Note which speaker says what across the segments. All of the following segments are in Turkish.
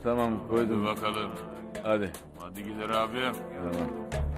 Speaker 1: Tamam koydum.
Speaker 2: Hadi bakalım.
Speaker 1: Hadi.
Speaker 2: Hadi gider abim.
Speaker 1: Tamam.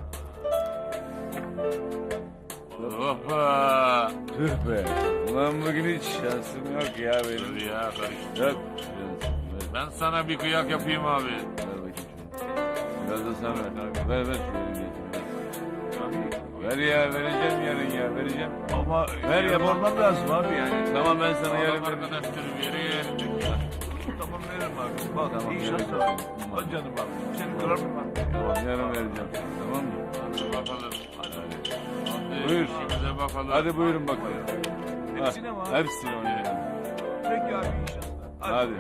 Speaker 2: Hoppa.
Speaker 1: Tüh be. Ulan bugün hiç şansım yok ya benim.
Speaker 2: Dur ya karıştı.
Speaker 1: Yok. Şansım.
Speaker 2: Ben sana bir kıyak yapayım abi.
Speaker 1: Ver bakayım şunu. Biraz da sen ver. Ver şöyle. Ver ya vereceğim yarın ya vereceğim.
Speaker 3: Ama
Speaker 1: Ver ya
Speaker 3: yapmam lazım abi yani.
Speaker 1: Tamam ben sana yarın
Speaker 2: Allah
Speaker 1: vereceğim.
Speaker 2: arkadaşlarım yeri.
Speaker 3: Tamam veririm abi. Bak
Speaker 1: Tamam,
Speaker 3: iyi
Speaker 1: veririm.
Speaker 3: şanslar. Hadi canım abi. Seni kırar mıyım abi?
Speaker 1: Tamam yarın vereceğim. Tamam mı?
Speaker 2: Hadi bakalım. Hadi.
Speaker 1: Buyur.
Speaker 2: işimize bakalım.
Speaker 1: Hadi buyurun bakalım.
Speaker 3: Hepsine mi abi?
Speaker 1: Hepsini oynayalım.
Speaker 3: Peki abi iyi şanslar.
Speaker 1: Hadi.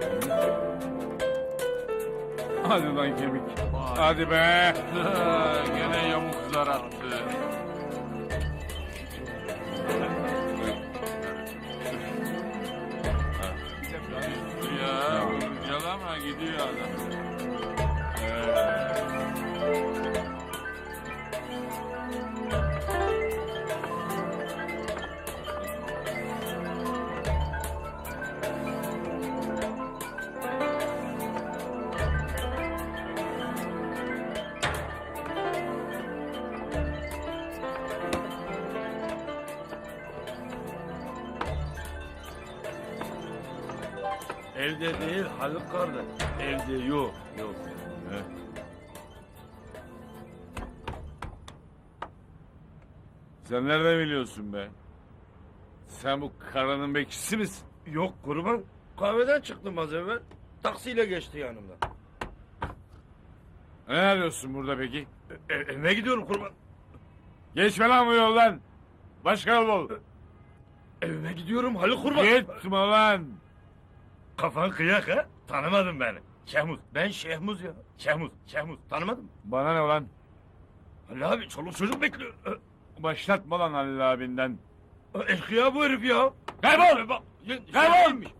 Speaker 1: Hadi lan kemik.
Speaker 2: Vay.
Speaker 1: Hadi be.
Speaker 2: Gene yamuklar attı. Ya yalama gidiyor adam.
Speaker 3: Evde değil Haluk kardeş. Evde yok. Yok.
Speaker 1: Sen nereden biliyorsun be? Sen bu karanın bekçisi misin?
Speaker 3: Yok kurban. Kahveden çıktım az evvel. Taksiyle geçti yanımdan.
Speaker 1: Ne arıyorsun burada peki?
Speaker 3: Evime gidiyorum kurban.
Speaker 1: Geçme lan bu yoldan. Başka yol bul.
Speaker 3: Evime gidiyorum Haluk kurban.
Speaker 1: Gitme lan.
Speaker 3: Kafan kıyak ha? Tanımadın beni. Şehmuz. Ben Şehmuz ya. Şehmuz. Tanımadın mı?
Speaker 1: Bana ne lan?
Speaker 3: Ali abi çoluk çocuk bekliyor.
Speaker 1: Başlatma lan Halil abinden.
Speaker 3: Eşkıya bu herif ya.
Speaker 1: Kaybol! Kaybol!